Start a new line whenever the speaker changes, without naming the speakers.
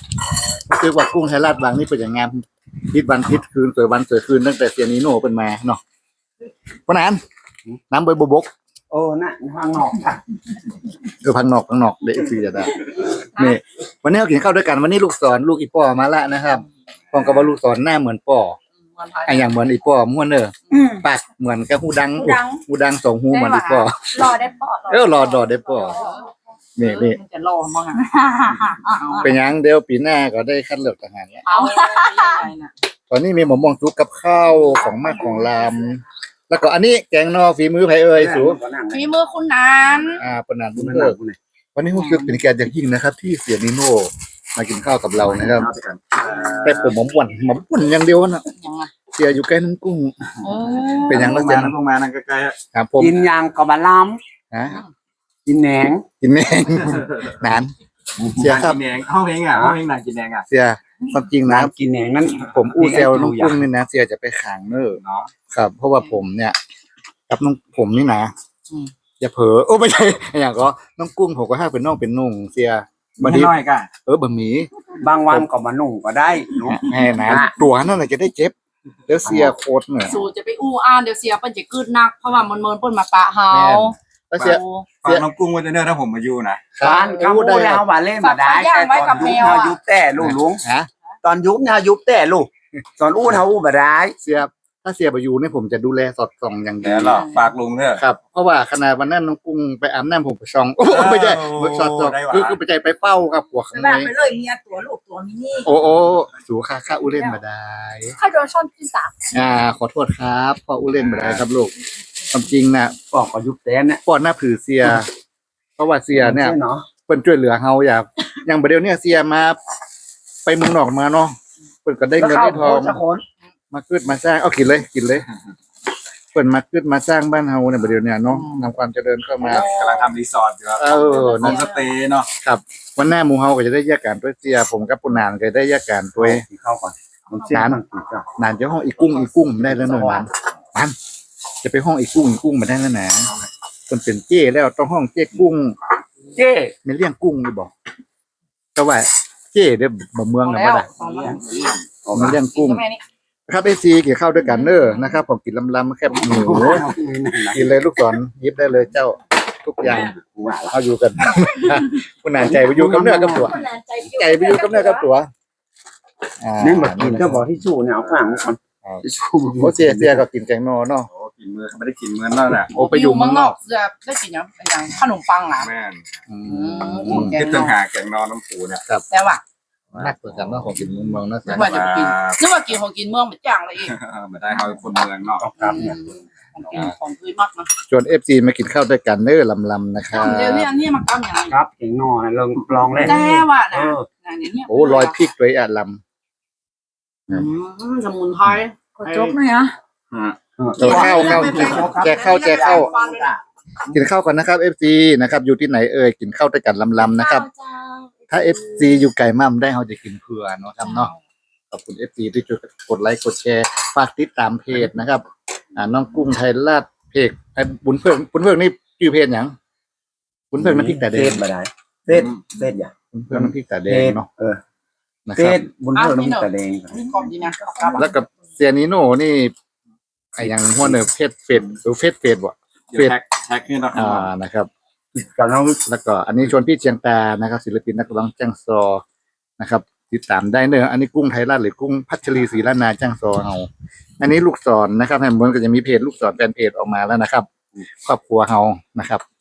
คือว่ากุ้งไทยราชบางนี่เป็นอย่างงามพิษวันพิษคืนสวยวันสวยคืนตั้งแต่เซียนิโน่เป็นมาเนาะเพราะนั้นน้ำใบบก
โอ้น่ะทางนอกค่ะ
พังนอกเด็กซีจะได้นี่วันนี้เรากินข้าวด้วยกันวันนี้ลูกศรลูกอีป้อมาละนะครับพองกับว่าลูกศรหน้าเหมือนป้อไออย่างเหมือนอีป้อม้วนเนอปากเหมือนกับหูดังสองหูเหมือนอีป้อ
รอได้ปอ
รอดอได้ป้อนี่
จะรอมั้ง
เป็นยังเดียวปีหน้าก็ได้คัดเลือกทหารเนี่ย
เอา
ตอนนี้มีหมอมองจุกกับข้าวของมากของลามแล้วก็อันนี้แกงนอฝีมือไผเอ่ยสู
ฝีมือคุณนัน
ปนันบุญเลิกวันนี้รู้สึกเป็นแกอย่างยิ่งนะครับ ที่เสียนิโน่มากินข้าวกับเรานะครับแต่ผมหมอมป่วนอย่างเดียวนะเสียอยู่ใกล้น้ำกุ้งเป็นอย่าง
ล
นั้น
ง
เสี
มาย นั่งลงมานั่งใกล้ๆ
ครับผม
กินยางกับบะล้
ฮะ
ำกินแหนง
กินแมงนานเสียครับ
กินแดงห้องเพลงอ่ะห้องเพลงหนังกินแดงอ่ะ
เสียความจริงนะ
กินแหนงนั้น
ผมอู้เซลน้องกุ้งนี่นะเสียจะไปขางเนอ
เนาะ
ครับ เพราะว่าผมเนี่ยกับน้องผมนี่นะอย่าเผลอโอ้ไม่ใช่อย่างก็น้องกุ้งผมก็ให้เป็นน้องเป็นนุ่งเสีย
มันน้อยกัน
บะหมี่
บางวันก็มานุ่งก็ได้เนาะ
แม่นะตัวนั่นแหละจะได้เจ็บแล้วเสียโคตรเนี่ย
สูจะไปอู้อ่านเดี๋ยวเสียเปิ้นจะกึดนักเพราะว่ามันเปิ้นมาปะเฮา
แล้วเสีย
ฟังน้องกุ้งว่าจะเนื้อถ้าผมมาอยู่นะ
บ้านก็พูดแล้วว่าเล่นมาได้แต่ตอนยุบเขายุบแต่ลูกลุง
ฮะ
ตอนยุบเนี่ยยุบแต่ลูกตอนอู้เขาอู้มาได้
เสียถ้าเสียไปอยู่เนี่ยผมจะดูแลสอดส่องอย่างดี
เดี๋ยวหรอฝากลุงเถอะ
ครับ เพราะว่าขนาดวันนั้นน้องกุ้งไปอาบน้ำผมไปส่องโอ้ไม่ใช่สอดส่องคือไปใจไปเฝ้าครับหัวขโม
แบบ
ย
ไปเลยเมียตัวลูกตัวมินี่
โอ้สูค่าอู้เล่นมาได้
ถ้าโดนช่อนที่สาม
ขอโทษครับพ่ออู้เล่นมาได้ครับลูกความจริงนะ
ปอกก็ยุบแต่เนี่ย
ป้อนหน้าผือเสีย เพราะว่าเสียเนี่ย
เนาะ
เพิ่นช่วยเหลือเฮาอย่างประเดี๋ยวเนี่ยเสียมาไปเมืองนอกมาเนาะเพิ่นก็ได้เงินได้ทอง
สักคน
มาขึ้นมาสร้างเอากินเลยเพิ่นมาขึ้นมาสร้างบ้านเฮาเนี่ยประเดี๋ยวเนี่ยเนาะนำความเจริญเข้ามาก
ำลังทำรีสอร์ทอยู่ครับ
เออ
โฮมสเตย์เนาะ
ครับวันหน้าหมู่เฮาก็จะได้แยกกันด้วยเสียผมกับปุนานก็ได้แยกกันด้วย
เข้าก่อนผมเชื่อมันถูกจ้ะ
นานจะห้องอีกุ้งไม่ได้แล้วหน่อยมันจะไปห้องอีกุ้งไม่ได้แล้วนะเพิ่นเป็นเจ้แล้วต้องห้องเจ้กุ้ง
เจ้
ไม่เลี้ยงกุ้งนี่บอกแต่ว่าเจ้เด้อบ่เมืองน่ะบ่ได้มันเลี้ยงกุ้ง ครับไอซีกินข้าวด้วยกันเนอนะครับผมกินลำๆแค่หมูกินเลยลูกศรยิบได้เลยเจ้าทุกอย่างเอาอยู่กันคุณนานใจไปอยู่กับเนื้อกับตัวใจไปอยู่กับเนื้อกับตัว
นี่มากินก็บอกที่ชูเนี่ยเอาข้างก่อนที่ชู
โอ้เสียก็กินแกงนอเนาะ
โอ้กินมือไม่ได้กินมือนั่นแหละ
โอ้ไปอยู่เมืองนอก
จะได้กินอย่างขนมปังอ่ะ
แม่น
แก
คิด
ง
ถึ
น
ง
อ
หาแกงนอนน้ำปูเนี่ย
แต่ว่า
นักกว่ากันเนาะของกินเมืองนะเสี
นึ
ย
กว่าจะกินนึกว่ากินของกินเมืองมันจ้างเลยอีก
มาได้เขาคนเมืองเนาะ
ครับเนี่ย
ของกินของพื้นมากนะ
ชวน FC มากินข้าวด้วยกันเนอลำๆนะครับ
เดี๋ยวนี้อันนี้มากำอย่างไร
ครับเก่งนอนลองเล่น
แต่ว่า
เอ
นะ
อ
เดี๋ยวนี้
โอ้รอยพริกด้วยล
สมุนไพร
ขอจกหน่อยอ่ะ
ำแจกข้าวกินข้าวกันนะครับ FC นะครับอยู่ที่ไหนเอ่ยกินข้าวด้วยกันลำๆนะครับ ถ้า FC อยู่ไกลมั่มได้เขาจะกินเผื่อเนาะครับเนาะขอบคุณ FC ที่ช่วยกดไลค์กดแชร์ฝากติดตามเพจนะครับน้องกุ้งไทยราชเพจบุญเพิ่งนี่ชื่อเพจหยังบุญเพิ่งน้ำพริกแต่แด
เฟ
ง
สมาได้เฟสอย่า
บุญเพิ่งน้ำพริกแต่แดงเนาะ นะ
เฟ
ครับ
สบุญเพิ่มน้ำตาแดง
นี่กรอบดีนะ
แล้วกับเซียนิโน่นี่ไอ้อย่างหัวเนอร์เฟซหรือเฟซบ่
แท็กนี่นะครับ
นะครับ
กับน้อง
แล้วก็อันนี้ชวนพี่เชียงตานะครับศิลปินนักร้องจ้างซอนะครับ ติดตามได้เนอะอันนี้กุ้งไทยราชหรือกุ้งพัชรีศรีล้านนาจ้างซอเฮาอันนี้ลูกศรนะครับแฮมเบอร์ก็จะมีเพจลูกศรแฟนเพจออกมาแล้วนะครับ ครอบครัวเฮานะครับ